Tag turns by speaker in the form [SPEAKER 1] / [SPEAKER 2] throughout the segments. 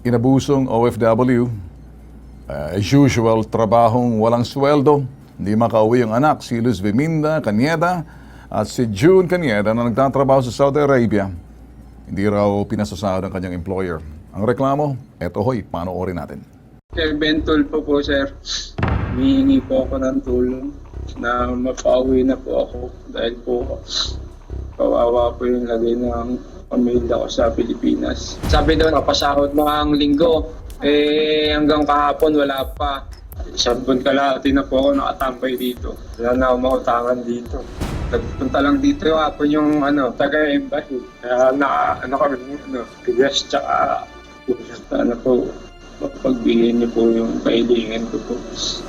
[SPEAKER 1] inabusong OFW. As usual, trabahong walang sweldo. Hindi makauwi ang anak, si Luz Viminda Canieda at si June Canieda na nagtatrabaho sa Saudi Arabia. Hindi raw pinasasahod ang kanyang employer. Ang reklamo, eto hoy, panoorin natin.
[SPEAKER 2] Kay Bentol po sir, humihingi po ako ng tulong na mapauwi na po ako dahil po kawawa po yung lagay ng pamilya ko sa Pilipinas. Sabi daw, napasahod mo ang linggo. Hanggang kahapon wala pa. Isang buwan kalahati na po ako nakatambay dito. Wala na ako mautangan dito. Nagpunta lang dito yung hapon yung taga-embassy. Kaya bigas tsaka sana po mapagbigyan niyo po yung kailangan ko po.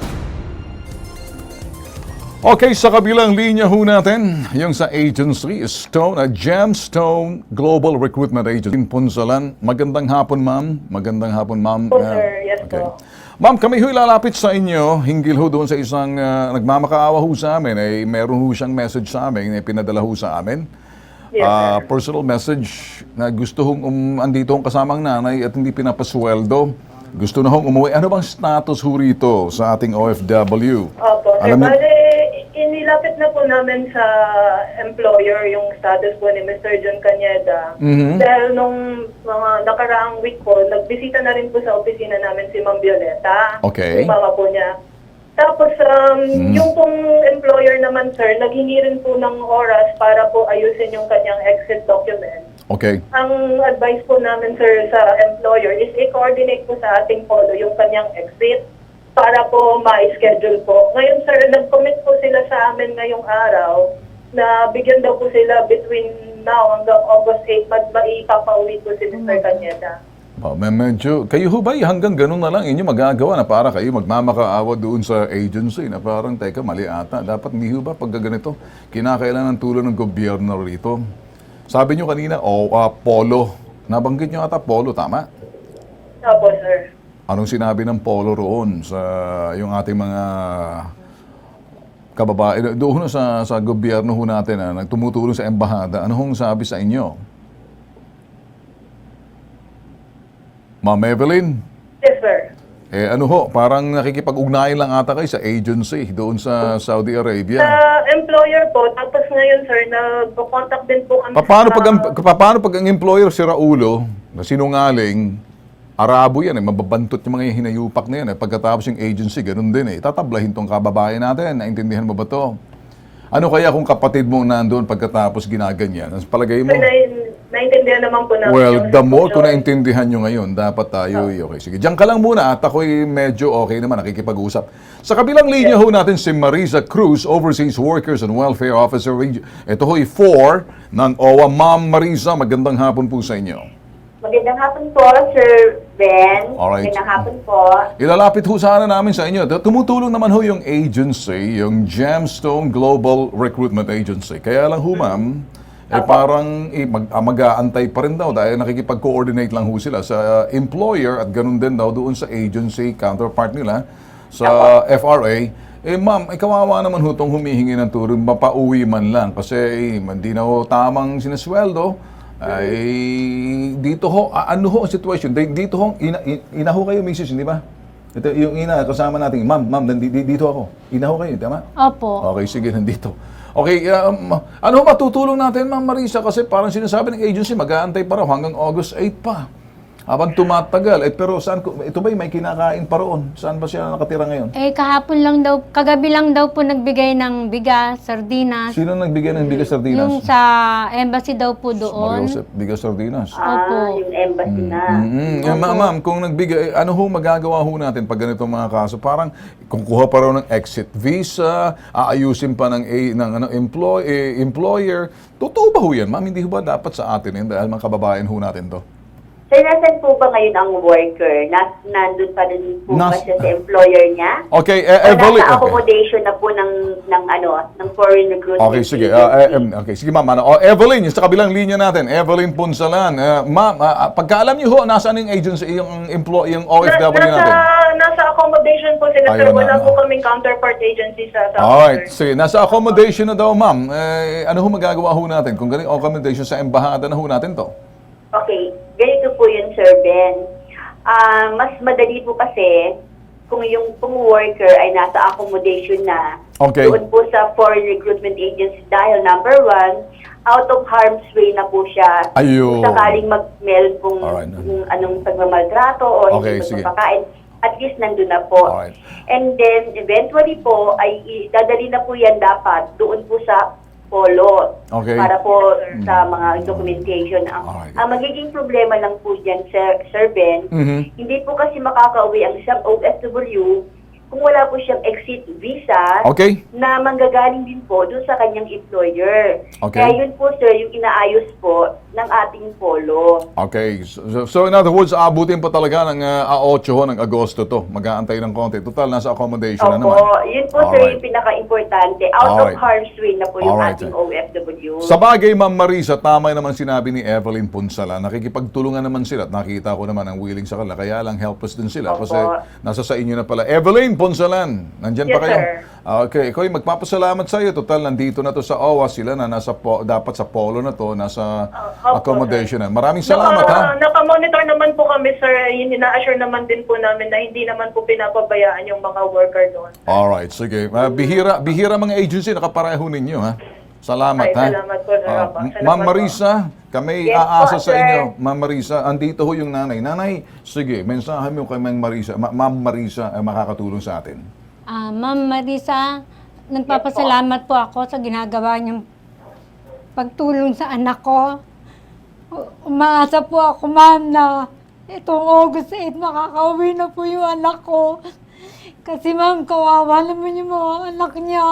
[SPEAKER 1] Okay, sa kabilang linya ho natin, yung sa agency, Gemstone Global Recruitment Agency in Punsalan. Magandang hapon, ma'am. Magandang hapon, ma'am.
[SPEAKER 3] Po, sir. Yes,
[SPEAKER 1] okay.
[SPEAKER 3] po.
[SPEAKER 1] Ma'am, kami ho'y lalapit sa inyo, hinggil ho doon sa isang nagmamakaawa ho sa amin. Meron ho siyang message sa amin, pinadala ho sa amin.
[SPEAKER 3] Yes, sir.
[SPEAKER 1] Personal message na gusto hong andito hong kasamang nanay at hindi pinapasweldo. Gusto na hong umuwi. Ano bang status ho rito sa ating OFW?
[SPEAKER 3] Opo, sir.
[SPEAKER 1] Alam niyo-
[SPEAKER 3] Bale, inilapit na po namin sa employer yung status po ni Mr. John Canieda. Dahil nung mga nakaraang week po, nagbisita na rin po sa opisina namin si Ma'am Violeta.
[SPEAKER 1] Okay.
[SPEAKER 3] Yung mama po niya. Tapos, yung pong employer naman, sir, naghingi rin po ng oras para po ayusin yung kanyang exit document.
[SPEAKER 1] Okay.
[SPEAKER 3] Ang advice po namin, sir, sa employer is i-coordinate po sa ating polo yung kanyang exit para po ma-schedule po. Ngayon, sir, nag-commit po sila sa amin ngayong araw na bigyan daw po sila between now hanggang August 8, maipapauwi po si Mr. Canieda.
[SPEAKER 1] Medyo, kayo ho ba hanggang ganun na lang inyo magagawa na para kayo magmamakaawa doon sa agency na parang, teka, mali ata. Dapat hindi ho ba pag ganito, kinakailangan ng tulong ng gobyerno rito. Sabi nyo kanina, polo. Nabanggit nyo ata polo, tama?
[SPEAKER 3] Opo, sir.
[SPEAKER 1] Anong sinabi ng polo roon sa yung ating mga kababae? Doon sa gobyerno ho natin na nagtumutulong sa embahada, ano hong sabi sa inyo? Ma'am Evelyn?
[SPEAKER 3] Yes, sir.
[SPEAKER 1] Ano ho, parang nakikipag-ugnayan lang ata kayo sa agency doon sa Saudi Arabia.
[SPEAKER 3] Sa employer po, tapos ngayon, sir, nag-contact din po kami
[SPEAKER 1] Paano pag ang employer si Raulo, na sinungaling, Arabo yan, mababantot yung mga hinayupak na yan. Pagkatapos yung agency, ganun din tatablahin tong kababayan natin. Naintindihan mo ba to? Ano kaya kung kapatid mo nandoon pagkatapos ginaganyan? Ang palagay mo?
[SPEAKER 3] Sir, naintindihan naman po namin.
[SPEAKER 1] Well,
[SPEAKER 3] yung
[SPEAKER 1] the more
[SPEAKER 3] sitwasyon.
[SPEAKER 1] kung naintindihan nyo ngayon, dapat tayo, okay, sige. Diyan ka lang muna at ako'y medyo okay naman, nakikipag-usap. Sa kabilang linya ho natin si Marisa Cruz, Overseas Workers and Welfare Officer. Ito ho'y 4 ng OWA. Ma'am Marisa, magandang hapon po sa inyo.
[SPEAKER 4] Magandang hapon po, Sir Ben.
[SPEAKER 1] Alright.
[SPEAKER 4] Magandang hapon po.
[SPEAKER 1] Ilalapit ho sana namin sa inyo. Tumutulong naman ho yung agency, yung Gemstone Global Recruitment Agency. Kaya lang ho, ma'am, parang mag-aantay pa rin daw dahil nakikipag-coordinate lang ho sila sa employer at ganun din daw doon sa agency counterpart nila sa FRA. Ma'am, kawawa naman ho itong humihingi ng tulong, mapauwi man lang kasi hindi na ho tamang sinasweldo. Dito ho, ano ho ang sitwasyon? Dito ho, ina ho kayo, Mrs., hindi ba? Ito, yung ina, kasama natin, ma'am, dito ako. Ina ho kayo, tama?
[SPEAKER 5] Opo.
[SPEAKER 1] Okay, sige, nandito. Okay, ano ho matutulong natin, Ma'am Marisa? Kasi parang sinasabi ng agency, mag-aantay pa raw hanggang August 8 pa. Habang tumatagal. Pero saan, ito ba may kinakain pa roon? Saan ba siya nakatira ngayon?
[SPEAKER 5] Kahapon lang daw, kagabi lang daw po nagbigay ng bigas, sardinas.
[SPEAKER 1] Sino nagbigay ng bigas sardinas?
[SPEAKER 5] Yung sa embassy daw po doon.
[SPEAKER 1] Mariosep, bigas sardinas.
[SPEAKER 5] Opo.
[SPEAKER 4] Yung embassy na.
[SPEAKER 1] Ma'am, kung nagbigay, ano ho magagawa ho natin pag ganitong mga kaso? Parang kung kuha pa raw ng exit visa, aayusin pa ng employer. Totoo ba ho yan, ma'am? Hindi ho ba dapat sa atin yun dahil mga kababayan ho natin to?
[SPEAKER 4] Sir, nasan po ba ngayon ang worker? Nandun pa rin po ba siya sa employer niya?
[SPEAKER 1] Okay,
[SPEAKER 4] O
[SPEAKER 1] Evelyn.
[SPEAKER 4] nasa accommodation na po ng foreign recruitment
[SPEAKER 1] Okay, sige.
[SPEAKER 4] agency?
[SPEAKER 1] Okay, sige ma'am. Evelyn, yung sa kabilang linya natin, Evelyn Punsalan. Ma'am, pagkaalam niyo ho, nasaan yung agency, yung OFW natin?
[SPEAKER 3] Nasa accommodation po sila, sir.
[SPEAKER 1] Ayun na,
[SPEAKER 3] Wala po kaming counterpart agency sa South,
[SPEAKER 1] Alright,
[SPEAKER 3] sir.
[SPEAKER 1] sige. Nasa accommodation na daw, ma'am. Ano ho magagawa ho natin? Kung ganito accommodation sa embahada na ho natin to?
[SPEAKER 4] Okay, ganito po yun, Sir Ben. Mas madali po kasi kung yung worker ay nasa accommodation na
[SPEAKER 1] Okay.
[SPEAKER 4] doon po sa foreign recruitment agency dahil number one, out of harm's way na po siya.
[SPEAKER 1] Ayun.
[SPEAKER 4] Kung sakaling meron pong
[SPEAKER 1] Alright.
[SPEAKER 4] kung anong pagmamaltrato o
[SPEAKER 1] Okay,
[SPEAKER 4] hindi
[SPEAKER 1] sige.
[SPEAKER 4] pagpapakain, at least nandun na po.
[SPEAKER 1] Alright.
[SPEAKER 4] And then, eventually po, ay dadali na po yan dapat doon po sa polo.
[SPEAKER 1] Okay.
[SPEAKER 4] Para po sa mga documentation.
[SPEAKER 1] Alright.
[SPEAKER 4] Ang magiging problema lang po dyan, Sir Ben,
[SPEAKER 1] Mhm.
[SPEAKER 4] hindi po kasi makakauwi ang isang OFW kung wala po siyang exit visa
[SPEAKER 1] Okay.
[SPEAKER 4] na manggagaling din po doon sa kanyang employer.
[SPEAKER 1] Okay.
[SPEAKER 4] Kaya yun po, sir, yung inaayos po ng ating polo.
[SPEAKER 1] Okay. So in other words, aabutin pa talaga ng 8 ng Agosto to. Mag-aantay ng konti. Total, nasa accommodation na
[SPEAKER 4] Opo,
[SPEAKER 1] naman.
[SPEAKER 4] yun po, sir,
[SPEAKER 1] Alright.
[SPEAKER 4] yung pinaka-importante. Out
[SPEAKER 1] Alright.
[SPEAKER 4] of harm's way na po yung
[SPEAKER 1] Alright,
[SPEAKER 4] ating
[SPEAKER 1] sir.
[SPEAKER 4] OFW.
[SPEAKER 1] Sa bagay, Ma'am Marisa, tama naman sinabi ni Evelyn Punsala. Nakikipagtulungan naman sila at nakita ko naman ang willing sa kanila. Kaya lang helpless din sila
[SPEAKER 4] Opo.
[SPEAKER 1] kasi nasa sa inyo na pala. Evelyn Punsalan, nandyan pa
[SPEAKER 4] Yes,
[SPEAKER 1] kayo?
[SPEAKER 4] sir.
[SPEAKER 1] Okay, ikaw magpapasalamat sa iyo. Total, nandito na to sa OWA. Sila na dapat sa polo na to, nasa
[SPEAKER 3] Opo,
[SPEAKER 1] accommodation na. Maraming salamat, ha?
[SPEAKER 3] Naka-monitor naman po kami, sir. Ina-assure naman din po namin na hindi naman po pinapabayaan yung mga worker doon.
[SPEAKER 1] Alright, sige. Bihira mga agency, nakapareho ninyo, ha? Salamat,
[SPEAKER 3] Ay,
[SPEAKER 1] ha?
[SPEAKER 3] salamat po, sir. Opo. Salamat
[SPEAKER 1] Ma'am
[SPEAKER 3] po.
[SPEAKER 1] Marisa, kami
[SPEAKER 4] Yes
[SPEAKER 1] aasa
[SPEAKER 4] po,
[SPEAKER 1] sa
[SPEAKER 4] sir.
[SPEAKER 1] inyo. Ma'am Marisa, andito ho yung nanay. Nanay, sige, mensahe mo kay Ma'am Marisa. Ma'am Marisa ay makakatulong sa atin.
[SPEAKER 5] Ma'am Marisa, nagpapasalamat po ako sa ginagawa niyong pagtulong sa anak ko. Umaasa po ako, ma'am, na itong August 8, makakauwi na po yung anak ko. Kasi ma'am, kawawa naman yung mga anak niya.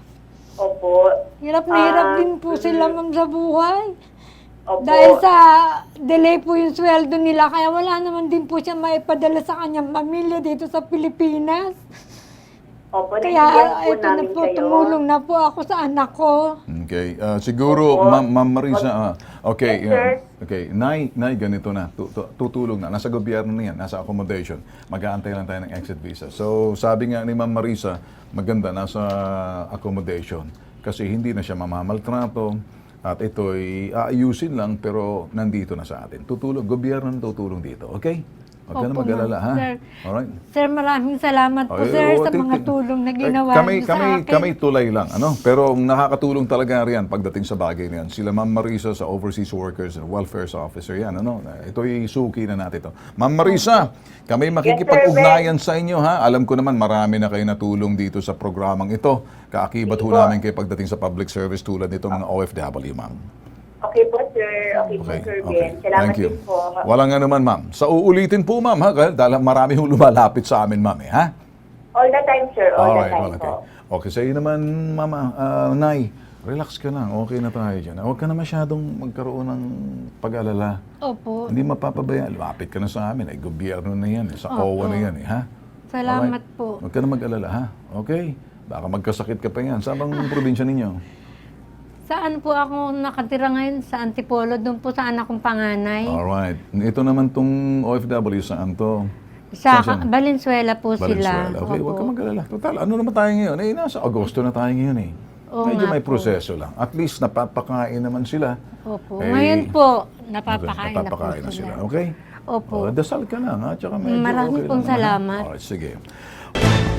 [SPEAKER 4] Opo.
[SPEAKER 5] Hirap na hirap din po sila, ma'am, sa buhay.
[SPEAKER 4] Opo.
[SPEAKER 5] Dahil sa delay po yung sweldo nila, kaya wala naman din po siya maipadala sa kanyang pamilya dito sa Pilipinas.
[SPEAKER 4] Opo,
[SPEAKER 5] Kaya
[SPEAKER 4] naiintindihan po
[SPEAKER 5] ito na
[SPEAKER 4] namin
[SPEAKER 5] po,
[SPEAKER 4] kayo.
[SPEAKER 5] tumulong na po ako sa anak ko.
[SPEAKER 1] Okay, siguro,
[SPEAKER 4] Opo.
[SPEAKER 1] Ma'am Marisa, okay,
[SPEAKER 4] Yes, sir.
[SPEAKER 1] okay, Nay, ganito na, tutulong na, nasa gobyerno na yan, nasa accommodation, mag-aantay lang tayo ng exit visa. So, sabi nga ni Ma'am Marisa, maganda, nasa accommodation, kasi hindi na siya mamamaltrato, at ito'y aayusin lang, pero nandito na sa atin. Gobyerno na tutulong dito, okay? Huwag ka na
[SPEAKER 5] Opo,
[SPEAKER 1] mag-alala, ha?
[SPEAKER 5] ma'am. Sir.
[SPEAKER 1] Alright?
[SPEAKER 5] Sir, maraming salamat po, sir, sa mga tulong na ginawa niyo sa akin.
[SPEAKER 1] Kami tulay lang, ano? Pero ang nakakatulong talaga riyan pagdating sa bagay na yan. Sila Ma'am Marisa sa Overseas Workers and Welfare Officer yan, ano? Ito'y suki na natin to. Ma'am Marisa, kami makikipag-ugnayan sa inyo, ha? Alam ko naman marami na kayo natulong dito sa programang ito. Kaakibat ho namin kayo pagdating sa public service tulad nito mga OFW, ma'am.
[SPEAKER 4] Okay po, sir. Okay po,
[SPEAKER 1] Okay,
[SPEAKER 4] Sir
[SPEAKER 1] okay.
[SPEAKER 4] Ben. Salamat
[SPEAKER 1] Thank you.
[SPEAKER 4] din po.
[SPEAKER 1] Walang ano man, ma'am. Sa uulitin po, ma'am, ha? Dahil marami hong lumalapit sa amin, ma'am, ha?
[SPEAKER 4] All the time, sir. All the
[SPEAKER 1] Alright,
[SPEAKER 4] time
[SPEAKER 1] well,
[SPEAKER 4] po.
[SPEAKER 1] okay. Okay, sa'yo naman, Mama, Nay, relax ka lang. Okay na tayo dyan. Huwag ka na masyadong magkaroon ng pag-alala.
[SPEAKER 5] Opo.
[SPEAKER 1] Hindi mapapabaya. Lapit ka na sa amin. Ay, gobyerno na yan. Sa OWA na yan, ha?
[SPEAKER 5] Salamat
[SPEAKER 1] Alright.
[SPEAKER 5] po.
[SPEAKER 1] Huwag ka na mag-alala, ha? Okay? Baka magkasakit ka pa yan. Saan bang probinsya ninyo?
[SPEAKER 5] Saan po ako nakatira ngayon? Sa Antipolo, doon po sa anak kong panganay.
[SPEAKER 1] Alright. Ito naman tong OFW, saan to?
[SPEAKER 5] Sa
[SPEAKER 1] Saan siya?
[SPEAKER 5] Valenzuela po
[SPEAKER 1] Valenzuela.
[SPEAKER 5] sila.
[SPEAKER 1] Okay, huwag ka
[SPEAKER 5] Opo.
[SPEAKER 1] mag-alala. Total, ano naman tayo ngayon? Eh, nasa Agosto na tayo ngayon eh.
[SPEAKER 5] Oo
[SPEAKER 1] Medyo
[SPEAKER 5] nga
[SPEAKER 1] may
[SPEAKER 5] po.
[SPEAKER 1] proseso lang. At least napapakain naman sila.
[SPEAKER 5] Opo.
[SPEAKER 1] Eh,
[SPEAKER 5] Ngayon po, napapakain na po
[SPEAKER 1] napapakain na
[SPEAKER 5] sila.
[SPEAKER 1] sila. Okay?
[SPEAKER 5] Opo.
[SPEAKER 1] Dasal ka lang, ha? Tsaka medyo
[SPEAKER 5] Maraming
[SPEAKER 1] okay
[SPEAKER 5] pong
[SPEAKER 1] lang naman, ha?
[SPEAKER 5] salamat.
[SPEAKER 1] Alright, sige.